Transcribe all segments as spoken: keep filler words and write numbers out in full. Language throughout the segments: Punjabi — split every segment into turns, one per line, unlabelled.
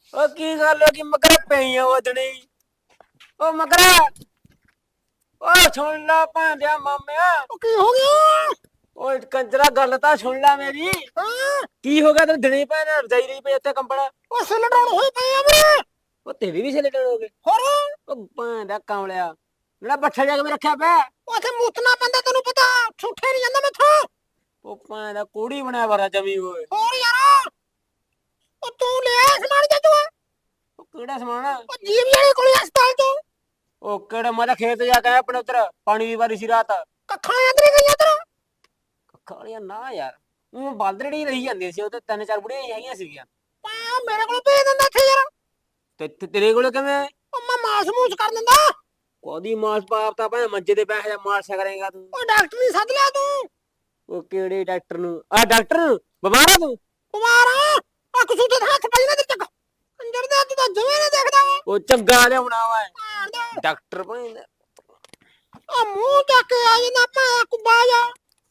ਓ ਕੀ ਗੱਲ ਹੋ ਗਈ ਮਗਰ ਪਈਆਂ ਵਦਣੀ। ਓ ਮਗਰਾ ਓ ਸੁਣ ਲਾ ਭਾਂਦਿਆ ਮਾਮਿਆ।
ਉਹ ਕੀ ਹੋ ਗਿਆ?
ਓਏ ਕੰਜਰਾ ਗੱਲ ਤਾਂ ਸੁਣ ਲੈ ਮੇਰੀ।
ਹਾਂ
ਕੀ ਹੋ ਗਿਆ ਤੈਨੂੰ ਦਿਨੇ ਭੈਣ ਰਜਾਈ ਰਹੀ ਪਈ ਉੱਥੇ ਕੰਬਲ।
ਉਹ ਸਿਲ ਡਾਉਣ ਹੋਈ ਪਈ ਆ ਮੇਰੇ।
ਉਹ ਤੇਰੀ ਵੀ ਸਿਲੇਟਰ ਹੋ ਗਏ।
ਹੋਰ
ਉਹ ਭਾਂਦਾ ਕਾਮਲਿਆ ਜਿਹੜਾ ਬੱਠਾ ਜਾ ਕੇ ਰੱਖਿਆ ਪਿਆ।
ਉੱਥੇ ਮੂਤਨਾ ਪੈਂਦਾ ਤੈਨੂੰ ਪਤਾ, ਛੁੱਟੇ ਨਹੀਂ ਜਾਂਦਾ ਮੈਥੋਂ।
ਉਹ ਭਾਂਦਾ ਕੋੜੀ ਬਣਿਆ ਵਰਾ ਜਮੀ ਹੋਏ।
ਹੋਰ ਯਾਰ ਉਹ ਤੂੰ ਲਿਆ ਸਮਾਨ ਜੱਜੂ
ਉਹ ਕਿਹੜਾ ਸਮਾਨ ਆ?
ਉਹ ਜੀਵ ਵਾਲੇ ਕੋਲੇ ਹਸਪਤਾਲ ਤੋਂ
ਉਹ ਕਿਹੜਾ ਮੈਂ ਤਾਂ ਖੇਤ ਜਾ ਕੇ ਆਇਆ ਆਪਣੇ ਉੱਧਰ ਪਾਣੀ ਦੀ ਵਾਰੀ ਸੀ ਰਾਤ।
ਕੱਖਾਂ ਅੰਦਰੇ ਗਈਆਂ ਤੇਰਾ।
ਕਾਲੀਆ ਨਾ ਯਾਰ ਉਹ ਬਾਲਦੜੀ ਰਹੀ ਜਾਂਦੀ ਸੀ ਉਹ ਤੇ ਤਿੰਨ ਚਾਰ ਬੁੜੀਆਂ ਹੈਗੀਆਂ ਸੀਗੀਆਂ।
ਪਾ ਮੇਰੇ ਕੋਲ ਭੇਜ ਦਿੰਦਾ ਇੱਥੇ ਯਾਰ।
ਤੇ ਤੇ ਤੇਰੇ ਕੋਲ ਕਿਵੇਂ?
ਉਹ ਮੈਂ ਮਾਸ ਮੂਸ ਕਰ ਦਿੰਦਾ।
ਕੋਦੀ ਮਾਸ ਪਾਪ ਤਾਂ ਭਾਵੇਂ ਮੰਜੇ ਤੇ ਬੈਠ ਜਾ ਮਾਰਸਾ ਕਰੇਗਾ ਤੂੰ।
ਉਹ ਡਾਕਟਰ ਨਹੀਂ ਸੱਦ ਲਿਆ ਤੂੰ।
ਉਹ ਕਿਹੜੇ ਡਾਕਟਰ ਨੂੰ? ਆ ਡਾਕਟਰ ਨੂੰ ਬਿਮਾਰ ਆ ਤੂੰ?
ਬਿਮਾਰ ਆ ਆ ਕਸੂਤੇ ਹੱਥ ਪਈ ਨਾ ਤੇ ਚੱਕ ਅੰਦਰ ਦੇ ਤੂੰ ਤਾਂ ਜਵੇਂ ਨਹੀਂ ਦੇਖਦਾ ਵਾ।
ਉਹ ਚੰਗਾ ਲਿਆਉਣਾ ਵਾ
ਭਾਣ ਦੇ
ਡਾਕਟਰ ਭਾਵੇਂ।
ਆ ਮੂੰਹ ਚੱਕ ਕੇ ਆ ਜਾਂਦਾ ਮੈਂ ਕੁੱਬਾ ਜਾ।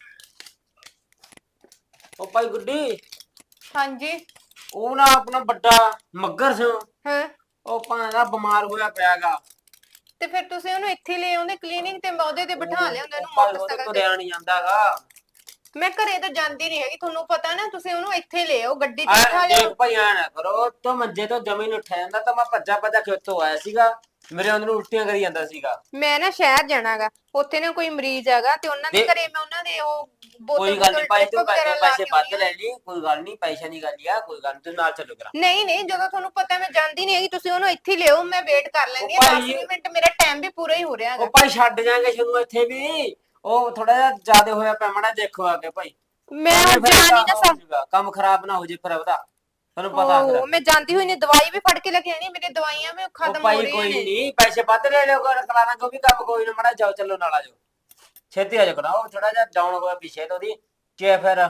ਉਹ ਭਾਈ ਗੁੱਡੀ
ਹਾਂਜੀ।
ਉਹ ਨਾ ਆਪਣਾ ਵੱਡਾ ਮੱਗਰ ਸਿੰਘ
ਹਾਂ
ਉਹ ਭਾਂ ਦਾ ਬਿਮਾਰ ਹੋਇਆ ਪਿਆਗਾ।
ਤੇ ਫਿਰ ਤੁਸੀਂ ਉਹਨੂੰ ਇੱਥੇ ਲੈ ਆਉਂਦੇ ਕਲੀਨਿਕ ਤੇ ਉਹਦੇ ਤੇ ਬਿਠਾ ਲਿਆਉਂਦੇ ਉਹਨੂੰ
ਭਾਈ ਉਹਦੇ
ਮੋਟਰਸਾਈਕਲ ਤੇ।
ਤੁਰਿਆ ਨਹੀਂ ਜਾਂਦਾਗਾ।
ਮੈਂ ਘਰੇ ਤਾਂ ਜਾਂਦੀ ਨਹੀਂ ਹੈਗੀ, ਤੁਹਾਨੂੰ ਪਤਾ ਨਾ। ਤੁਸੀਂ ਉਹਨੂੰ ਇੱਥੇ ਲੈ ਆਓ, ਗੱਡੀ ਤੇ
ਆ
ਬਿਠਾ
ਦੇਖ
ਲਿਆਓ।
ਭਾਈ ਆ ਨਾ ਕਰੋ ਤੋਂ ਮੰਜੇ ਤੋਂ ਜ਼ਮੀਨ ਉੱਠਿਆ ਜਾਂਦਾ ਤਾਂ ਮੈਂ ਭੱਜਾ ਭੱਜਾ ਖੇਤੋਂ ਆਇਆ ਸੀਗਾ। ਮੇਰੇ ਅੰਦਰ ਉਲਟੀਆਂ ਕਰੀ ਜਾਂਦਾ ਸੀਗਾ।
ਮੈਂ ਨਾ ਸ਼ਹਿਰ ਜਾਣਾਗਾ, ਉੱਥੇ ਨਾ ਕੋਈ ਮਰੀਜ਼ ਹੈਗਾ ਤੇ ਉਹਨਾਂ ਦੇ
ਦੇ-
ਘਰੇ ਮੈਂ ਉਹਨਾਂ ਦੇ ਉਹ ਬੋਤਲ
ਕੋਈ ਗੱਲ ਨਹੀਂ ਭਾਈ ਤੂੰ
drip ਵਗੈਰਾ
ਪੈਸੇ
ਲਾ
ਪੈਸੇ
ਕੇ
ਵੱਧ
ਆਉਣੀ
ਲੈ ਲਈ ਕੋਈ ਗੱਲ ਨਹੀਂ ਪੈਸੇ ਦੀ ਗੱਲ ਆ ਕੋਈ ਗੱਲ ਨੀ ਤੂੰ ਨਾਲ ਚੱਲੋ ਕਰਾ।
ਨਹੀਂ ਨਹੀਂ, ਜਦੋਂ ਤੁਹਾਨੂੰ ਪਤਾ ਮੈਂ ਜਾਂਦੀ ਨਹੀਂ ਹੈਗੀ ਤੁਸੀਂ ਉਹਨੂੰ ਇੱਥੇ ਲਿਆਓ, ਮੈਂ ਵੇਟ ਕਰ ਲੈਂਦੀ
ਉਹ
ਹਾਂ।
ਭਾਈ-
ਦਸ ਮਿੰਟ ਮੇਰਾ ਟਾਈਮ ਵੀ ਪੂਰਾ ਹੀ ਹੋ ਰਿਹਾ
ਉਹ
ਹੈਗਾ।
ਭਾਈ ਛੱਡ ਜਾਾਂਗੇ ਸ਼ੁਰੂ ਇੱਥੇ ਵੀ ਉਹ ਥੋੜਾ ਜਿਹਾ ਜ਼ਿਆਦਾ ਹੋਇਆ ਪਿਆ ਮਾੜਾ ਦੇਖੋ ਆ ਕੇ ਭਾਈ।
ਮੈਂ
ਐਵੇਂ ਫਿਰ
ਜਾ ਨਹੀਂ ਨਾ
ਕੰਮ
ਸਕ
ਹੋ ਜਾਊਗਾ, ਕੰਮ ਖਰਾਬ ਨਾ ਹੋ ਜੇ ਫਿਰ ਉਹਦਾ ਤੁਹਾਨੂੰ ਪਤਾ ਫਿਰ।
ਉਹ ਮੈਂ ਜਾਂਦੀ ਹੋਈ ਨਹੀਂ, ਦਵਾਈ ਵੀ ਫੜ ਕੇ ਲੈ ਕੇ ਆਣੀ, ਮੇਰੀ ਦਵਾਈਆਂ ਵੀ
ਉਹ
ਖਤਮ ਹੋ
ਭਾਈ
ਰਹੀਆਂ
ਕੋਈ
ਨੇ।
ਨਹੀਂ ਪੈਸੇ ਵੱਧ ਲੈ ਲਿਓ ਕਰ ਕਲਾਣਾ ਕੋ ਵੀ ਕੰਮ ਕੋਈ ਨਾ ਮਾੜਾ ਜਾਓ ਚੱਲੋ ਨਾਲ ਆ ਜਾਓ ਛੇਤੀ ਆ ਜਾਓ ਕਰਾ। ਉਹ ਥੋੜਾ ਜਿਹਾ ਡਾਊਨ ਹੋਇਆ ਪਿੱਛੇ ਤੋਂ ਦੀ ਕਿ ਫਿਰ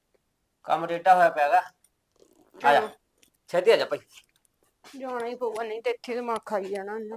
ਕੰਮ ਰੇਟਾ ਹੋਇਆ ਪਿਆਗਾ। ਆ ਜਾ ਛੇਤੀ ਆ ਜਾ ਭਾਈ।
ਜਾਣਾ ਹੀ ਪਊਗਾ, ਨਹੀਂ ਤੇ ਇੱਥੇ ਦਿਮਾਗ ਖਾਈ ਜਾਣਾ ਇਹਨਾਂ।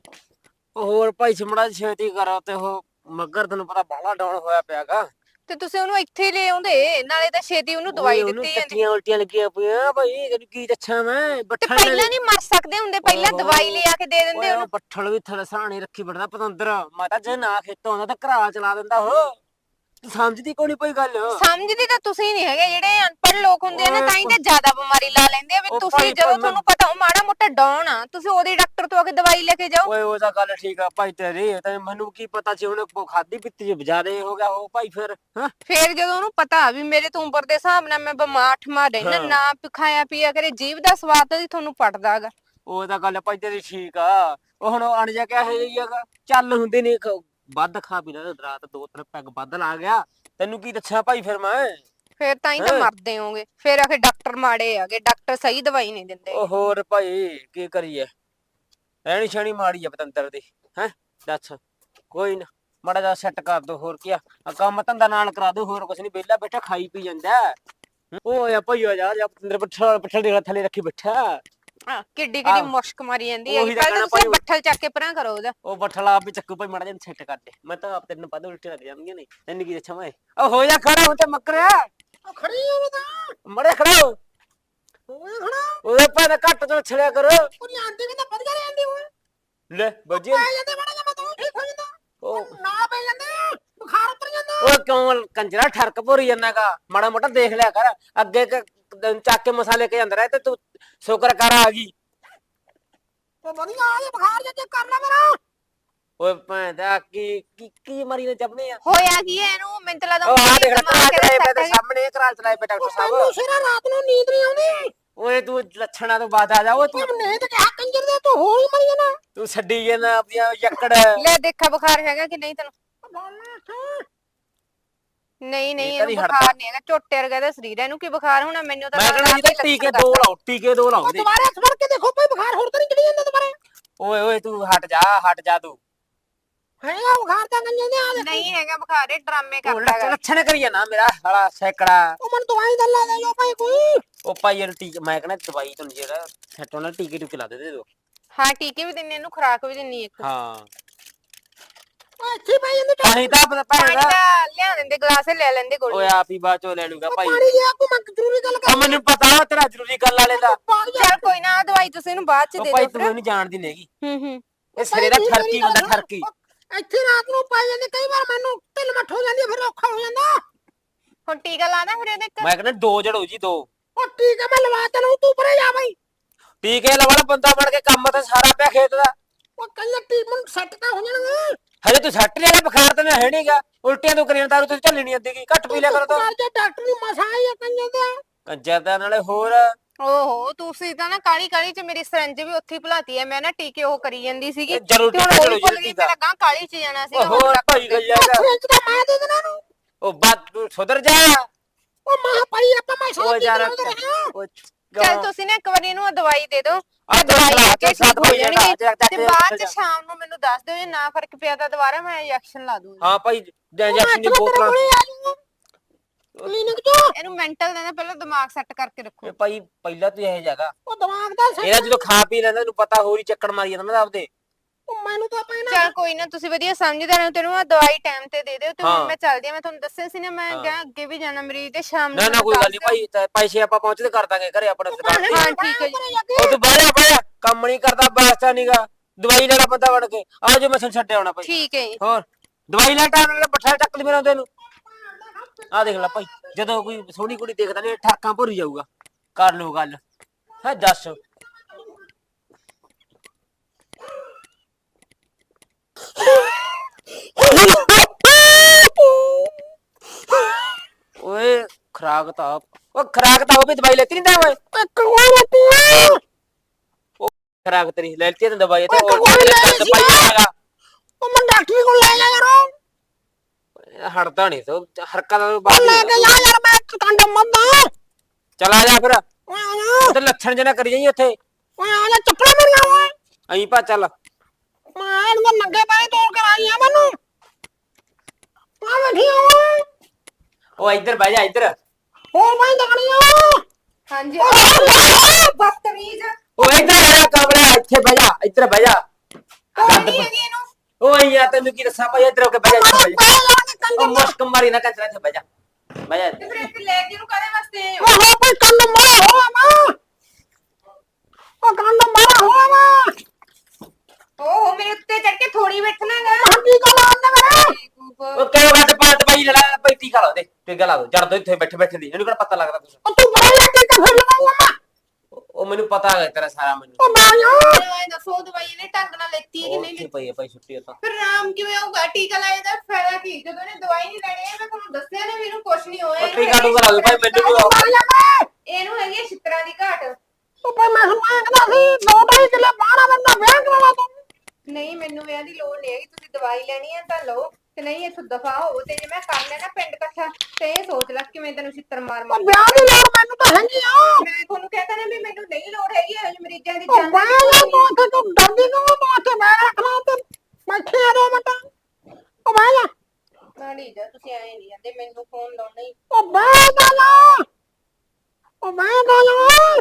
ਉਹ ਹੋਰ ਭਾਈ ਸਿਮੜਾ ਛੇਤੀ ਕਰੋ ਤੇ ਉਹ ਮੱਗਰ ਤੈਨੂੰ ਪਤਾ ਬਾਹਲਾ ਡਾਊਨ ਹੋਇਆ ਪਿਆਗਾ।
ਤੇ ਤੁਸੀਂ ਉਹਨੂੰ ਇੱਥੇ ਲੈ ਆਉਂਦੇ, ਨਾਲੇ ਤਾਂ ਛੇਤੀ ਉਹਨੂੰ ਦਵਾਈ
ਉਹਨੂੰ
ਦਿੱਤੀ ਜਾਂਦੀ।
ਟੱਟੀਆਂ ਉਲਟੀਆਂ ਲੱਗੀਆਂ ਪਈਆਂ ਭਾਈ ਤੈਨੂੰ ਕੀ ਦੱਸਾਂ ਮੈਂ
ਤੇ
ਬੱਠਲ
ਪਹਿਲਾਂ ਨਹੀਂ ਮਰ ਸਕਦੇ ਹੁੰਦੇ, ਪਹਿਲਾਂ
ਓਹੋ।
ਦਵਾਈ ਲਿਆ ਕੇ ਦੇ ਦਿੰਦੇ
ਓਏ ਉਹ
ਉਹਨੂੰ।
ਬੱਠਲ ਵੀ ਥਲੇ ਸਰਾਣੇ ਰੱਖੀ ਬੜਦਾ ਪਤੰਦਰ ਮੈਂ ਤਾਂ ਜੇ ਨਾ ਖੇਤੋਂ ਆਉਂਦਾ ਤਾਂ ਘਰਾ ਚਲਾ ਦਿੰਦਾ ਉਹ। ਤੂੰ ਸਮਝਦੀ ਕੋਈ ਨੀ ਕੋਈ ਗੱਲ।
ਸਮਝਦੇ ਤਾਂ ਤੁਸੀਂ ਨਹੀਂ ਹੈਗੇ, ਜਿਹੜੇ ਅਨਪੜ੍ਹ ਲੋਕ ਹੁੰਦੇ ਆ ਨਾ
ਓਏ
ਤਾਂ ਹੀ ਤਾਂ ਜ਼ਿਆਦਾ ਬਿਮਾਰੀ ਲਾ ਲੈਂਦੇ ਆ ਵੀ
ਉਹ
ਤੁਸੀਂ
ਭਾਈ
ਜਦੋਂ
ਭਾਈ
ਤੁਹਾਨੂੰ ਪਤਾ ਉਹ ਮਾੜਾ ਮੋਟਾ ਡਾਊਨ ਆ ਤੁਸੀਂ ਉਹਦੇ ਡਾਕਟਰ ਤੋਂ ਆ ਕੇ ਦਵਾਈ ਲੈ ਕੇ ਜਾਓ।
ਓਏ ਉਹ ਤਾਂ ਗੱਲ ਠੀਕ ਆ ਭਾਈ ਤੇਰੀ ਤੇ ਮੈਨੂੰ ਕੀ ਪਤਾ ਸੀ ਉਹਨੇ ਖਾਦੀ ਪੀਤੀ ਚ ਬਜਾਰੇ ਹੋ ਗਿਆ ਉਹ ਭਾਈ ਫਿਰ ਹਾਂ।
ਫੇਰ ਜਦੋਂ ਉਹਨੂੰ ਪਤਾ ਵੀ ਮੇਰੇ ਤੋਂ ਉਮਰ ਦੇ ਹਿਸਾਬ ਨਾਲ ਮੈਂ ਬਿਮਾਰ ਠਮਾ ਰਹਿਣਾ,
ਹਾਂ।
ਨਾ ਖਾਇਆ ਪੀਆ ਕਰੇ, ਜੀਭ ਦਾ ਸਵਾਦ ਤਾਂ ਜੀ ਤੁਹਾਨੂੰ ਪੜਦਾ ਹੈਗਾ।
ਉਹ ਤਾਂ ਗੱਲ ਭਾਈ ਤੇਰੀ ਠੀਕ ਆ। ਉਹ ਹੁਣ ਅਣ ਜਾ ਕੇ ਇਹ ਜਿਹੀ ਹੈਗਾ ਚੱਲ ਹੁੰਦੇ ਨੇ ਵੱਧ ਖਾ ਪੀ ਲੈ ਰਾਤ ਦੋ ਤਿੰਨ ਪੈਗ ਵੱਧ ਲਾ ਗਿਆ ਤੈਨੂੰ ਕੀ ਦੱਸਾਂ ਭਾਈ ਫਿਰ ਮੈਂ।
ਫੇਰ ਤਾਂ ਹੀ ਤਾਂ
ਹੈਂ।
ਮਰਦੇ ਹੋਗੇ, ਫੇਰ ਆਖੇ ਡਾਕਟਰ ਮਾੜੇ ਆਗੇ, ਡਾਕਟਰ ਸਹੀ ਦਵਾਈ ਨਹੀਂ ਦਿੰਦੇ।
ਉਹ ਹੋਰ ਭਾਈ ਕੀ ਕਰੀਏ ਰਹਿਣੀ ਛਣੀ ਮਾੜੀ ਆ ਪਤੰਦਰ ਦੀ ਹੈ ਦੱਸ। ਕੋਈ ਨਾ ਮਾੜਾ ਜਿਹਾ ਸੈੱਟ ਕਰ ਦੋ ਹੋਰ ਕੀ ਆ ਆਹ ਕੰਮ ਧੰਦਾ ਨਾਲ ਕਰਾ ਦੋ ਹੋਰ ਕੁਛ ਨਹੀਂ ਵਿਹਲਾ ਬੈਠਾ ਖਾਈ ਪੀ ਜਾਂਦਾ। ਉਹ ਆ ਭਾਈ ਆ ਜਾ ਜਾ ਪਤੰਦਰ ਬੱਠਲ ਬੱਠਲ ਦੇ ਥੱਲੇ ਰੱਖੀ ਬੈਠਾ।
ਹਾਂ, ਕਿੱਡੀ ਕਿੱਡੀ
ਆਹੋ।
ਮੁਸ਼ਕ ਮਾਰੀ ਜਾਂਦੀ
ਉਹੀ
ਹੈ।
ਤਾਂ
ਪਹਿਲਾਂ
ਕਹਿਣਾ
ਤੁਸੀਂ
ਭਾਈ।
ਬੱਠਲ ਚੱਕ ਕੇ ਪਰਾਂ ਕਰੋ ਉਹਦਾ।
ਉਹ ਬੱਠਲ ਆਪ ਵੀ ਚੱਕੂ ਭਾਈ ਮਾੜਾ ਜਿਹਾ ਸੈੱਟ ਕਰ ਦੇ ਮੈਂ ਤਾਂ ਆਪ ਤੈਨੂੰ ਪਤਾ ਉਲਟੀ ਲੱਗ ਜਾਂਦੀਆਂ ਨੇ ਤੈਨੂੰ ਕੀ ਦੱਸਾਂ ਮੈਂ। ਉਹ ਹੋ ਜਾ ਖੜਾ ਹੁਣ ਤੇ ਮੱਕਰਿਆ
ਉਹ ਖੜੀ ਆ ਉਹ ਤਾਂ
ਮੜੇ ਖੜਾ ਹੋ।
ਓਏ ਖੜਾ
ਉਹਦੇ ਭਾਵੇਂ ਘੱਟ ਤੋਂ ਛੜਿਆ ਕਰੋ
ਉਹਦੀ ਆਂਟੀ ਵੀ ਤਾਂ ਵਧੀਆ ਰਹਿੰਦੀ ਓਏ।
ਲੈ ਬੱਜੇ
ਪੈ ਜਾਂਦੇ ਬੜਾ ਜਿਹਾ ਮੈਂ ਤਾਂ ਠੀਕ ਹੋ ਜਾਂਦਾ।
ਉਹ
ਨਾ ਪੈ ਜਾਂਦੇ ਬੁਖਾਰ ਉਤਰ ਜਾਂਦਾ।
ਉਹ ਕਿਉਂ ਕੰਜਰਾ ਠਰਕ ਭੋਰੀ ਜਾਂਦਾਗਾ ਮਾੜਾ ਮੋਟਾ ਦੇਖ ਲਿਆ ਕਰ ਅੱਗੇ ਕ- ਚੱਕ ਕੇ ਮਸਾਲੇ ਕੇ ਜਾਂਦਾ ਰਹੇ ਤੇ ਤੂੰ ਸ਼ੁਕਰ ਕਰ ਆ ਗਈ।
ਉਹ ਵਧੀਆ ਆ ਇਹ ਬੁਖਾਰ ਜੇ ਕਰ ਲੈ ਮੇਰਾ।
ਓਏ ਭੈਂਦਾ ਕੀ ਕੀ ਕੀ ਮਰੀ ਨੇ ਜਪਨੇ ਆ।
ਹੋਇਆ ਕੀ ਹੈ ਇਹਨੂੰ? ਮੈਨੂੰ ਤਾਂ ਲੱਗਦਾ
ਉਹ ਆ ਦੇਖ
ਦਿਮਾਗ
ਕਰਾ
ਇਹਦਾ
ਚਲਾਏ ਪਏ
set
ਤੇ
ਹੈਗਾ।
ਸਾਹਮਣੇ ਕਰਾ ਚਲਾਏ ਪਏ ਡਾਕਟਰ
ਉਹ ਤੈਨੂੰ
ਸਾਹਿਬ।
ਸਿਰਾ ਰਾਤ ਨੂੰ ਨੀਂਦ ਨਹੀਂ ਆਉਂਦੀ।
ਓਏ ਤੂੰ ਲੱਛਣਾ ਤੋਂ ਬਾਅਦ ਆ ਜਾ ਓਏ ਤੂੰ
ਤੂੰ ਨੇ ਤੇ ਕਿਹਾ ਕੰਜਰ ਦੇ ਤੂੰ ਹੋਰ ਹੀ ਮਰੀ ਜਾਣਾ।
ਤੂੰ ਛੱਡੀ ਜਾਂਦਾ ਆਪਣੀਆਂ ਯੱਕੜ।
ਲੈ ਦੇਖਾ ਬੁਖਾਰ ਹੈਗਾ ਕਿ ਨਹੀਂ ਤੈਨੂੰ?
ਬੋਲਣਾ ਇੱਥੇ।
ਨਹੀਂ ਨਹੀਂ,
ਇਹ ਤਾਂ
ਇਹਨੂੰ
ਨਹੀਂ
ਬੁਖਾਰ ਨਹੀਂ ਹੈਗਾ, ਝੋਟੇ ਵਰਗਾ ਦਾ ਸਰੀਰ ਹੈ, ਇਹਨੂੰ ਕੀ ਬੁਖਾਰ ਹੋਣਾ? ਮੈਨੂੰ ਤਾਂ
ਮੈਂ
ਲੱਗਦਾ
ਕਹਿੰਦਾ
ਆਪੇ
ਜੀ ਟੀਕੇ
ਲੱਛਣ
ਦੋ
ਕਰਦਾ।
ਲਾਓ ਟੀਕੇ ਦੋ ਲਾਓ
ਉਹ
ਦੇ।
ਦੁਬਾਰਾ ਹੱਥ ਫੜ ਕੇ ਦੇਖੋ ਭਾਈ ਬੁਖਾਰ ਹੋਰ ਤਾਂ ਨਹੀਂ ਚੜੀ ਜਾਂਦਾ ਦੁਬਾਰੇ।
ਓਏ ਓਏ ਤੂੰ ਹਟ ਜਾ ਹਟ ਜਾ ਤੂੰ।
ਹੈਗਾ ਬੁਖਾਰ ਤਾਂ ਕੰਜਰ ਦੇ ਆ ਦੇ।
ਨਹੀਂ ਹੈਗਾ ਬੁਖਾਰ, ਇਹ ਡਰਾਮੇ
ਉਹ
ਕਰਦਾ ਹੈਗਾ।
ਲੱਛਣ ਕਰੀ ਜਾਣਾ ਮੇਰਾ ਸਾਲਾ ਸੈਕੜਾ।
ਉਹ ਮਨ ਦਵਾਈ ਦਾ ਲਾ ਦੇ ਜੋ ਭਾਈ ਕੋਈ।
ਉਹ ਭਾਈ ਇਹਨੂੰ ਟੀਕੇ ਮੈਂ ਕਹਿੰਦਾ ਦਵਾਈ ਤੁਹਾਨੂੰ ਜਿਹੜਾ ਸੈੱਟ ਹੋਣਾ ਟੀਕੇ ਟੂਕੇ ਲਾ ਦੇ ਦੇ ਦੋ।
ਹਾਂ ਟੀਕੇ ਵੀ ਦਿੰਨੇ, ਇਹਨੂੰ ਖੁਰਾਕ ਵੀ ਦਿੰਨੀ ਇੱਕ।
ਹਾਂ
ਓਏ ਇੱਥੇ ਭਾਈ ਇਹਨੂੰ
ਪਾਣੀ ਤਾਂ ਪਤਾ
ਪਾਣੀ
ਭੈਣ ਦਾ
ਦਾ ਲਿਆ ਦਿੰਦੇ, ਗਲਾਸ ਲੈ ਲੈਂਦੇ
ਓਏ
ਗੋਲੀ।
ਆਪ ਹੀ ਬਾਅਦ ਚੋਂ ਲੈ ਲੂਗਾ ਭਾਈ।
ਪਾਣੀ ਲਿਆ ਕੋ ਮੈਂ ਜ਼ਰੂਰੀ ਗੱਲ
ਉਹ
ਕਰ।
ਮੈਨੂੰ ਪਤਾ ਤੇਰਾ ਜ਼ਰੂਰੀ ਗੱਲ ਵਾਲੇ ਦਾ।
ਪਾਣੀ
ਚੱਲ ਕੋਈ ਕੋਈ ਨਾ ਆਹ ਦਵਾਈ ਤੁਸੀਂ ਇਹਨੂੰ ਬਾਅਦ ਚ
ਉਹ
ਦੇ
ਭਾਈ
ਦਿਓ
ਤੂੰ
ਫਿਰ
ਇਹਨੂੰ ਜਾਣਦੀ ਨਹੀਂਗੀ
ਹੂੰ ਹੂੰ
ਇਹ ਸਿਰੇ ਦਾ
ਭਾਈ
ਠਰਕੀ
ਮੇਰੀ
ਬੰਦਾ
ਗੱਲ
ਠਰਕੀ
ਸੁਣ। ਇੱਥੇ ਰਾਤ ਨੂੰ ਪੈ ਜਾਂਦੇ ਕਈ ਵਾਰ ਮੈਨੂੰ ਢਿੱਲ ਮੱਠ ਹੋ ਜਾਂਦੀ ਆ, ਫਿਰ ਔਖਾ ਹੋ ਜਾਂਦਾ।
ਹੁਣ ਟੀਕਾ ਲਾਣਾ ਫਿਰ ਇਹਦੇ ਇੱਕ
ਮੈਂ ਕਹਿੰਦਾ ਦੋ ਜੜੋ ਜੀ ਦੋ
ਉਹ ਠੀਕ ਆ, ਮੈਂ ਲਵਾ ਤੈਨੂੰ, ਤੂੰ ਪਰੇ ਜਾ ਬਈ।
ਟੀਕੇ ਲਵਾਲਾ ਬੰਦਾ ਬਣ ਕੇ ਕੰਮ ਤੇ ਸਾਰਾ ਪਿਆ ਖੇਤ ਦਾ
ਉਹ ਕੱਲ ਟੀਮ ਸੈੱਟ ਤਾਂ ਹੋ ਜਾਣਗੇ।
ਹਜੇ ਤੂੰ ਸੱਟ ਲਿਆ ਬੁਖਾਰ ਤਾਂ ਹੈ ਨਹੀਂਗਾ ਉਲਟੀਆਂ ਤੋਂ ਕਰੀਆਂ ਤਾਰੂ ਤੂੰ ਝੱਲੀ ਨਹੀਂ ਆਂਦੀਗੀ ਘੱਟ ਪੀ ਲਿਆ ਕਰੋ ਤਾਂ
ਜੇ ਡਾਕਟਰ ਦੀ ਮਸਾ ਆਈ ਆ ਕੰਜੇ ਤੇ
ਕੰਜਰ ਦਾ ਨਾਲੇ ਹੋਰ
ਓਹੋ ਤੁਸੀਂ ਤਾਂ ਨਾ ਕਾਲੀ ਕਾਲੀ ਚ ਮੇਰੀ ਸਰੰਜ ਵੀ ਉੱਥੇ ਹੀ ਭੁਲਾਤੀ ਐ ਮੈਂ ਨਾ ਟੀਕੇ ਉਹ ਕਰੀ ਜਾਂਦੀ ਸੀਗੀ
ਇਹ ਜ਼ਰੂਰ
ਤੇ ਹੁਣ
ਟੀਕਾ
ਉਹ
ਜ਼ਰੂਰ
ਵੀ ਭੁੱਲ ਗਈ
ਟੀਕਾ।
ਮੈਂ ਲੱਗਾ ਕਾਲੀ ਚ ਜਾਣਾ ਸੀ
ਉਹ ਹੋਰ ਭਾਈ ਗਈਆ ਹੈਗਾ
ਫ੍ਰਿਜ ਦਾ ਮੈਂ ਦੇ ਦੇਣਾ ਨੂੰ।
ਉਹ ਬਾਤ ਤੂੰ ਸੁਧਰ ਜਾ
ਉਹ ਮਾਂ ਭਾਈ ਆਪਾਂ ਮੈਂ
ਉਹ
ਸਾਹ
ਯਾਰ
ਹਾਂ।
ਉਹ
ਚੱਲ ਤੁਸੀਂ ਨਾ ਇੱਕ ਵਾਰੀ ਇਹਨੂੰ ਆਹ ਦਵਾਈ ਦੇ ਦਿਓ
ਆਹ
ਤੇ ਦਵਾਈ
ਦਵਾਈ
ਲੈ ਕੇ
ਸਾਥ
ਠੀਕ ਹੋ
ਹੋਈ ਜਾਣਾ,
ਜਾਣਗੇ
ਜਾ- ਜਾ
ਤੇ
ਕੇ
ਬਾਅਦ
ਜਾ।
ਚ ਸ਼ਾਮ ਨੂੰ ਮੈਨੂੰ ਦੱਸ ਦਿਓ ਜੇ ਨਾ ਫਰਕ ਪਿਆ ਤਾਂ ਦੁਬਾਰਾ ਮੈਂ ਇੰਜੈਕਸ਼ਨ ਲਾ ਦੂੰਗੀ
ਹਾਂ ਭਾਈ ਇੰਜੈਕਸ਼ਨ ਦੀ ਬੋਤਲਾਂ
ਕਲੀਨਿਕ ਤੋਂ
ਇਹਨੂੰ ਮੈਂਟਲ ਦੇ ਨਾ ਪਹਿਲਾਂ ਦਿਮਾਗ ਸੈੱਟ ਕਰਕੇ ਰੱਖੋ
ਇਹ ਭਾਈ ਪਹਿਲਾਂ ਤੂੰ ਇਹ ਜਗ੍ਹਾ
ਉਹ ਦਿਮਾਗ ਦਾ ਸੈੱਟ
ਇਹਦਾ ਜਦੋਂ ਖਾ ਪੀ ਲੈਂਦਾ ਤੈਨੂੰ ਪਤਾ ਹੋਰ ਹੀ ਚੱਕਣ ਮਾਰੀ ਜਾਂਦਾ ਨਾ ਆਪਦੇ
ਉਹ ਮੈਨੂੰ ਤਾਂ ਪੈਣਾ
ਚੱਲ ਕੋਈ ਨਾ ਤੁਸੀਂ ਵਧੀਆ ਸਮਝਦੇ ਰਹੋ ਤੈਨੂੰ ਆ ਦਵਾਈ ਟਾਈਮ ਤੇ ਦੇ ਦਿਓ ਤੇ
ਹਾਂ।
ਹੁਣ ਮੈਂ ਚੱਲਦੀ ਆ ਮੈਂ ਤੁਹਾਨੂੰ ਦੱਸਿਆ ਸੀ ਨਾ ਮੈਂ
ਹਾਂ।
ਕਿਹਾ ਅੱਗੇ ਵੀ ਜਾਣਾ ਮਰੀਜ਼ ਤੇ ਸ਼ਾਮ ਨੂੰ
ਨਾ ਨਾ
ਮੈਨੂੰ
ਕੋਈ ਗੱਲ
ਦੱਸ
ਨਹੀਂ
ਦਿਓ।
ਭਾਈ ਤੇ ਪੈਸੇ ਆਪਾਂ ਪਹੁੰਚਦੇ ਕਰ ਦਾਂਗੇ ਘਰੇ ਆਪਣੇ ਦੁਕਾਨ ਤੇ
ਹਾਂ ਠੀਕ ਹੈ ਜੀ
ਉਹ ਤੂੰ ਬਾਹਰ ਬਾਹਰ ਕੰਮ ਨਹੀਂ ਕਰਦਾ ਬਾਸਤਾ ਨਹੀਂਗਾ ਦਵਾਈ ਲੈਣਾ ਬੰਦਾ ਬਣ ਕੇ ਆ ਜੋ ਮੈਂ ਤੁਹਾਨੂੰ ਛੱਡਿਆ ਆਉਣਾ ਭਾਈ
ਠੀਕ ਹੈ ਜੀ
ਹੋਰ ਦਵਾਈ ਲੈ ਟਾਈਮ ਨਾਲ ਬੱਠਾ ਚੱਕ ਲਈ ਮੇਰਾ ਤੈਨੂੰ ਆ ਦੇਖ ਲੈ ਭਾਈ ਜਦੋਂ ਕੋਈ ਸੋਹਣੀ ਕੁੜੀ ਦੇਖਦਾ ਨੇ ਠਾਕਾਂ ਭੁਰੀ ਜਾਊਗਾ ਕਰ ਲਓ ਗੱਲ ਹੈ ਦੱਸ ਓਏ ਖਰਾਕ ਤਾਂ ਉਹ ਖਰਾਕ ਤਾਂ ਉਹ ਵੀ ਦਵਾਈ ਲੈਤੀ ਨਹੀਂ ਤਾਂ ਓਏ
ਇੱਕ ਹੋਰ ਪੀਆ
ਖਰਾਕ ਤੇਰੀ ਲੈਤੀ ਤੇ ਦਵਾਈ ਤੇ
ਉਹ
ਉਹ
ਕੋਈ ਲੈ
ਦਰਦ
ਸੀ
ਪਾਈ
ਨਾ।
ਜਾਏਗਾ
ਉਹ ਮੈਂ ਡਾਕਟਰ ਕੋਲ ਲੈ ਜਾ ਯਾਰ
ਹਟਦਾ ਨਹੀਂ ਤੋ ਹਰਕਤਾਂ ਤੋਂ
ਉਹ
ਬਾਅਦ
ਲੈ ਕੇ ਜਾ ਯਾਰ ਮੈਂ ਕੰਡਾ ਮੰਦਾ
ਚਲਾ ਜਾ ਫਿਰ
ਓਏ ਆ ਜਾ
ਤੇ ਲੱਛਣ ਜਨਾ ਕਰੀ ਜਾਈ ਉੱਥੇ
ਓਏ ਆ ਜਾ ਚੱਪਲਾਂ ਮੇਰੀਆਂ ਓਏ
ਅਹੀਂ ਭਾ ਚੱਲ
ਮੈਂ ਇਹਨੂੰ ਨੰਗੇ ਪੈਰ ਤੋੜ ਕੇ ਆਈ ਆ ਮੈਨੂੰ ਆ ਬੈਠੀ ਆ ਓਏ
ਉਹ ਇੱਧਰ ਬਹਿ ਜਾ ਇੱਧਰ
ਹੋਰ ਮੈਂ ਦਗਣੀ ਆ
ਹਾਂਜੀ
ਓਏ
ਬਦਤਮੀਜ਼
ਉਹ ਇੱਧਰ ਆ ਜਾ ਕਮਰਾ ਇੱਥੇ ਬਹਿ ਜਾ ਇੱਧਰ ਬਹਿ ਜਾ
ਕੋਈ ਨਹੀਂ ਹੈਗੀ ਇਹਨੂੰ
ਓਏ ਯਾਰ ਤੈਨੂੰ ਕੀ ਦੱਸਾਂ ਭਾਈ ਇੱਧਰ ਹੋ ਕੇ ਬਹਿ ਜਾ ਇੱਥੇ ਬਹਿ ਜਾ ਉਹ ਮੁਸ਼ਕ ਮਾਰੀ ਨਾ ਕੰਜਰਾ ਇੱਥੇ ਬਹਿ ਜਾ ਬਹਿ ਜਾ
ਤੇ ਫਿਰ ਇੱਥੇ ਲੈ ਕੇ ਇਹਨੂੰ ਕਾਹਦੇ ਵਾਸਤੇ ਆਏ ਹੋ?
ਉਹ ਹੋ ਕੋਈ ਕੰਨ ਮਾਰਾ ਹੋਆ ਮਾਂ ਉਹ ਕੰਨ ਮਾਰਾ ਹੋਆ ਮਾਂ
ਓਹੋ ਮੇਰੇ ਉੱਤੇ ਚੜ ਕੇ ਥੋੜੀ ਬੈਠਣਾ ਹੈਗਾ
ਹੱਡੀ ਕੋ ਲਾਉਂਦਾ ਮੇਰਾ
ਉਹ ਕਿਉਂ ਵੱਟ ਪਾਟ ਭਾਈ ਲੜਾ ਭਾਈ ਟੀਕਾ ਲਾ ਦੇ ਟੀਕਾ ਲਾ ਦੋ ਜੜ ਦੋ ਇੱਥੇ ਬੈਠੇ ਬੈਠੇ ਦੀ ਇਹਨੂੰ ਕਿਹੜਾ ਪਤਾ ਲੱਗਦਾ ਕੁਛ
ਉਹ ਤੂੰ ਬੜਾ ਲੱਗੇ ਕਫਰ ਲਵਾਉਂਗਾ ਮਾਂ
ਉਹ ਮੈਨੂੰ ਪਤਾ ਹੈ ਤੇਰਾ ਸਾਰਾ ਮੈਨੂੰ
ਉਹ ਬਾਇਆ
ਮੈਨੂੰ ਐਂ ਦੱਸੋ ਦਵਾਈ ਇਹਨੇ ਢੰਗ ਨਾਲ ਲੈਤੀ ਹੈ ਕਿ
ਉਹ
ਨਹੀਂ
ਉੱਥੇ
ਲੈਤੀ
ਪਈ ਹੈ ਭਾਈ ਛੁੱਟੀ ਤਾਂ
ਫਿਰ ਆਰਾਮ ਕਿਵੇਂ ਆਊਗਾ ਟੀਕਾ ਲਾਏ ਦਾ ਫਾਇਦਾ ਕੀ ਜਦੋਂ ਇਹਨੇ ਦਵਾਈ ਨਹੀਂ ਲੈਣੀ ਹੈ ਮੈਂ ਤੁਹਾਨੂੰ ਦੱਸਿਆ ਨਾ ਵੀ ਇਹਨੂੰ ਕੁਛ ਨਹੀਂ ਹੋਇਆ
ਉਹ ਟੀਕਾ ਟੂਕਾ ਲਾ ਦੋ ਭਾਈ ਮੈਨੂੰ ਵੀ ਉਹ-
ਬਾਇਆ ਮੈਂ
ਇਹਨੂੰ ਹੈਗੀ ਹੈ ਛਿੱਤਰਾਂ ਦੀ ਘਾਟ
ਉਹ ਭਾਈ ਮੈਂ ਸੁਣਿਆ ਕਹਿੰਦਾ ਸੀ ਦੋ ਢਾਈ ਕਿੱਲੇ ਬਾਣਾ ਬੰਦਾ ਵਿਆਹ ਕਰਾਵਾ ਤੂੰ
ਨਹੀਂ ਮੈਨੂੰ ਵਿਆਹ ਦੀ ਲੋੜ ਨਹੀਂ ਹੈਗੀ ਤੁਸੀਂ ਦਵਾਈ ਲੈਣੀ ਹੈ ਤਾਂ ਲਓ ਤੇ ਨਹੀਂ ਇੱਥੋਂ ਦਫਾ ਹੋ ਤੇ ਜੇ ਮੈਂ ਕਰ ਲੈਣਾ ਪਿੰਡ ਇਕੱਠਾ ਤੇ ਇਹ ਸੋਚ ਲੈ ਕਿਵੇਂ ਤੈਨੂੰ ਛਿੱਤਰ ਮਾਰ ਮਾਰ
ਉਹ ਵਿਆਹ ਦੀ ਲੋੜ ਮੈਨੂੰ ਤਾਂ ਹੈਗੀ ਆ
ਮੈਂ ਤੁਹਾਨੂੰ ਕਹਿੰਦਾ ਨਾ ਵੀ ਮੈਨੂੰ ਨਹੀਂ ਲੋੜ ਹੈਗੀ ਇਹੋ ਜਿਹੇ ਮਰੀਜ਼ਾਂ ਦੀ
ਉਹ
ਜਾਨ
ਬਾਇਆ ਤੂੰ ਉੱਥੇ ਤੂੰ ਡਰਦੀ ਕਿਉਂ ਤੂੰ ਉੱਥੇ ਮੈਂ ਰੱਖਣਾ ਤੇ ਬੈਠੇ ਆ ਦੋ ਮਿੰਟ ਉਹ ਬਾਇਆ
ਨਾਲੀ ਜਾ ਤੁਸੀਂ ਐਂ ਨਹੀਂ ਜਾਂਦੇ ਮੈਨੂੰ ਫੋਨ ਲਾਉਣਾ ਹੀ
ਉਹ ਬਾਇਆ ਦਾ ਲਾ ਉਹ ਬਾਇਆ ਦਾ ਲਾ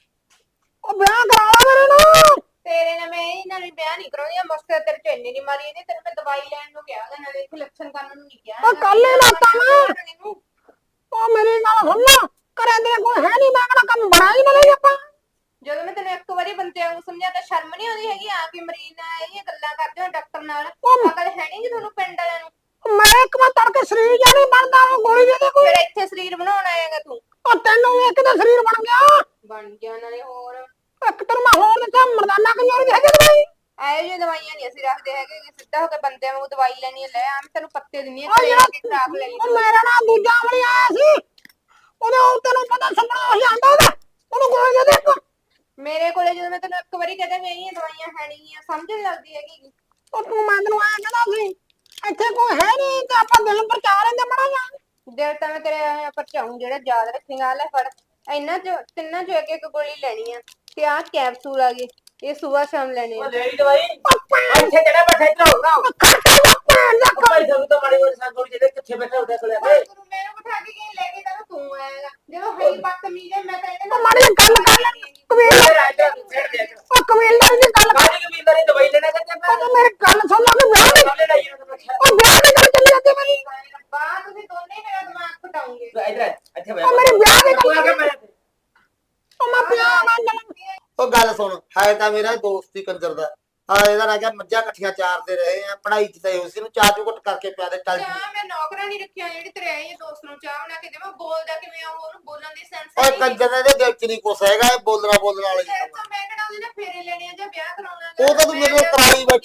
ਉਹ ਵਿਆਹ ਕਰਾਵਾ ਮੇਰੇ ਨਾਲ
ਤੇਰੇ ਨਾਲ ਮੈਂ ਇਹਨਾਂ ਨੂੰ ਵਿਆਹ ਨਹੀਂ ਕਰਾਉਂਦੀ ਮਸਕਰ ਤੇਰੇ ਚ ਇੰਨੀ ਨਹੀਂ ਮਾਰੀ ਇਹਨੇ ਤੈਨੂੰ ਮੈਂ ਦਵਾਈ ਲੈਣ ਨੂੰ ਕਿਹਾ ਉਹਦੇ ਨਾਲੇ ਇੱਥੇ ਲੱਛਣ ਕਰਨ ਨੂੰ ਨਹੀਂ ਕਿਹਾ
ਉਹ ਕੱਲ ਹੀ ਲਾਤਾ ਮੈਂ
ਇਹਨੂੰ
ਉਹ ਮੇਰੀ ਗੱਲ ਸੁਣ ਲਾ ਘਰੇ ਦੇ ਕੋਈ ਹੈ ਨਹੀਂ ਮੈਂ ਕਿਹੜਾ ਕੰਮ ਬਣਾ ਹੀ ਨਾ ਲਈ ਆਪਾਂ
ਜਦੋਂ ਮੈਂ ਤੈਨੂੰ ਇੱਕ ਵਾਰੀ ਬੰਦਿਆਂ ਨੂੰ ਸਮਝਾਤਾ ਸ਼ਰਮ ਨਹੀਂ ਆਉਂਦੀ ਹੈਗੀ ਆ ਕੇ ਮਰੀਜ਼ ਨਾਲ ਇਹ ਗੱਲਾਂ ਕਰਦੇ ਹੋ ਡਾਕਟਰ ਨਾਲ
ਉਹ-
ਅਕਲ ਹੈ ਨਹੀਂ ਜੀ ਤੁਹਾਨੂੰ ਪਿੰਡ ਵਾਲਿਆਂ ਨੂੰ
ਮੈਂ ਇੱਕ ਵਾਰ ਤੜਕੇ ਸਰੀਰ ਜਾਂ ਨਹੀਂ ਬਣਦਾ ਉਹ ਗੋਲੀ ਦੇ ਦੇ ਕੋਈ
ਫਿਰ ਇੱਥੇ ਸਰੀਰ ਬਣਾਉਣ ਆਏਗਾ ਤੂੰ
ਉਹ ਤੈਨੂੰ ਵੇਖ ਕੇ ਸਰੀਰ ਬਣ ਗਿਆ
ਬਣ ਗਿਆ ਨਾਲੇ ਹੋਰ
ਇੱਕ ਤਰ ਮੈਂ ਹੋਰ ਦਿੱਤਾ ਮਰਦਾਨਾ ਕੰਜੋਰੀ ਦੇ ਹੈਗੇ ਦਵਾਈ
ਇਹੋ ਜਿਹੀ ਦਵਾਈਆਂ ਨਹੀਂ ਅਸੀਂ ਰੱਖਦੇ ਹੈਗੇ ਕਿ ਸਿੱਧਾ ਹੋ ਕੇ ਬੰਦਿਆਂ ਨੂੰ ਦਵਾਈ ਲੈਣੀ ਹੈ ਲੈ ਆ ਮੈਂ ਤੈਨੂੰ ਪੱਤੇ ਦਿੰਨੀ ਆ
ਉਹ
ਘਰੇ ਆ
ਜਿਹੜਾ
ਕੇ ਖਰਾਬ ਲੈ ਲਈ
ਉਹ ਮੇਰਾ ਨਾਲ ਦੂਜਾ ਅਮਲੀ ਆਇਆ ਸੀ ਉਹਦੇ ਉਹ ਤੈਨੂੰ ਪਤਾ ਸੰਭਣਾ ਹੋ ਜਾਂਦਾ ਉਹਦਾ ਉਹਨੂੰ ਗੋਲੀ ਦੇ ਦੇ ਇੱਕ।
ਮੇਰੇ ਕੋਲੇ ਜਦੋਂ ਮੈਂ ਤੈਨੂੰ ਇੱਕ ਵਾਰੀ ਕਹਦਾ ਵੀ ਇਹ ਦਵਾਈਆਂ ਹੈ ਨਹੀਂ ਆ ਸਮਝ ਨੀ ਲੱਗਦੀ ਹੈਗੀ
ਉਹ ਤੂੰ ਮੈਂ ਤੈਨੂੰ ਆਇਆ ਕਹਿੰਦਾ ਸੀ ਇੱਥੇ ਕੋਈ ਹੈ ਨਹੀਂ ਤੇ ਆਪਾਂ ਦਿਲ ਪਰਚਾ ਲੈਂਦੇ ਬੜਾ ਜਾਂ
ਦਿਲ ਤਾਂ ਮੈਂ ਤੇਰੇ ਪਰਚਾਉਂ ਜਿਹੜਾ ਯਾਦ ਰੱਖੇਗਾ ਲੈ ਫੜ ਇਹਨਾਂ ਚ ਤਿੰਨਾਂ ਚ ਇੱਕ ਇੱਕ ਗੋਲੀ ਲੈਣੀ ਆ ਤੇ ਆਹ ਕੈਪਸੂਲ ਆ ਗਏ ਇਹ ਸਵੇਰ ਸ਼ਾਮ ਲੈਣੇ ਆ
ਉਹ ਲੈ ਦਵਾਈ ਇੱਥੇ ਕਿਹੜਾ ਬੈਠਾ ਇੱਧਰ ਹੋਗਾ
ਖੱਟਾ ਦਾ ਭੈਣ ਦਾ
ਭਾਈ ਸਾਨੂੰ ਤਾਂ ਮਾੜੀ ਮੋਟੀ ਸੰਗੋੜੀ ਜਿਹੜੇ ਕਿੱਥੇ ਬੈਠਾ ਉਹਦੇ ਕੋਲੇ ਆ ਕੇ
ਤੂੰ ਮੈਨੂੰ ਬਿਠਾ ਕੇ ਕੀ ਲੈ ਕੇ ਤਾਂ ਤੂੰ ਆਏਗਾ ਜਦੋਂ ਹੈ ਬਦਤਮੀਜ਼ ਹੈ ਮੈਂ ਤਾਂ ਇਹਦੇ
ਉਹ ਮਾੜੀ ਜਿਹੀ ਗੱਲ ਕਰ ਲੈ ਕਬੀਲ ਉਹ ਕਬੀਲਦਾਰੀ ਦੀ ਗੱਲ ਕਰ
ਕਾਹਦੀ ਕਬੀਲਦਾਰੀ ਦਵਾਈ ਲੈਣਾ ਚਾਹੁੰਦਾ
ਉਹ ਤੂੰ ਮੇਰੀ ਗੱਲ ਸੁਣ ਲੈ ਕਿ ਵਿਆਹ ਦੀ
ਕਾਹਲੇ ਲਾਈ ਜਾਂਦਾ
ਉਹ ਵਿਆਹ ਦੀ ਗੱਲ ਚੱਲੀ ਜਾਂਦੀ ਮੇਰੀ
ਰੱਬਾ ਤੁਸੀਂ ਦੋਨੇ ਮੇਰਾ ਦਿਮਾਗ ਘਟਾਉਂਗੇ
ਇੱਧਰ ਇੱਥੇ
ਉਹ ਮੇਰੀ ਵਿਆਹ ਦੀ ਗੱਲ
ਆ ਕੇ ਮੈਂ
ਉਹ ਮੈਂ ਵਿਆਹ ਮੈਂ
ਉਹ ਗੱਲ ਸੁਣ ਹੈ ਤਾਂ ਮੇਰਾ ਦੋਸਤ ਹੀ ਕੰਜਰ ਦਾ ਆ ਇਹਦਾ ਨਾ ਕਿਹਾ ਮੱਝਾਂ ਇਕੱਠੀਆਂ ਚਾਰਦੇ ਰਹੇ ਆ ਪੜ੍ਹਾਈ ਚ ਤਾਂ ਇਹੋ ਸੀ ਨੂੰ ਚਾਹ ਚੂ ਘੁੱਟ ਕਰਕੇ ਪਿਆ ਦੇ ਚੱਲ
ਚਾਹ ਮੈਂ ਨੌਕਰਾਂ ਨਹੀਂ ਰੱਖਿਆ ਜਿਹੜੀ ਤੇਰੇ ਆਈ ਦੋਸਤ ਨੂੰ ਚਾਹ ਬਣਾ ਕੇ ਦੇਵਾਂ ਬੋਲਦਾ ਕਿਵੇਂ ਆ ਉਹ, ਉਹਨੂੰ ਬੋਲਣ ਦੀ ਸੈਂਸ
ਓਏ ਕੰਜਰ ਦੇ ਦਿਲ ਚ ਨਹੀਂ ਕੁਛ ਹੈਗਾ ਇਹ ਬੋਲਣਾ ਬੋਲਣ ਵਾਲੇ
ਤੇਰੇ ਤੋਂ ਮੈਂ ਕਿਹੜਾ ਉਹਦੇ ਨਾਲ ਫੇਰੇ ਲੈਣੇ ਆ ਜਾਂ ਵਿਆਹ ਕਰਾਉਣਾ
ਉਹ ਤਾਂ ਤੂੰ ਮੇਰੇ ਨਾਲ ਕਰਾਈ ਬੈਠੀ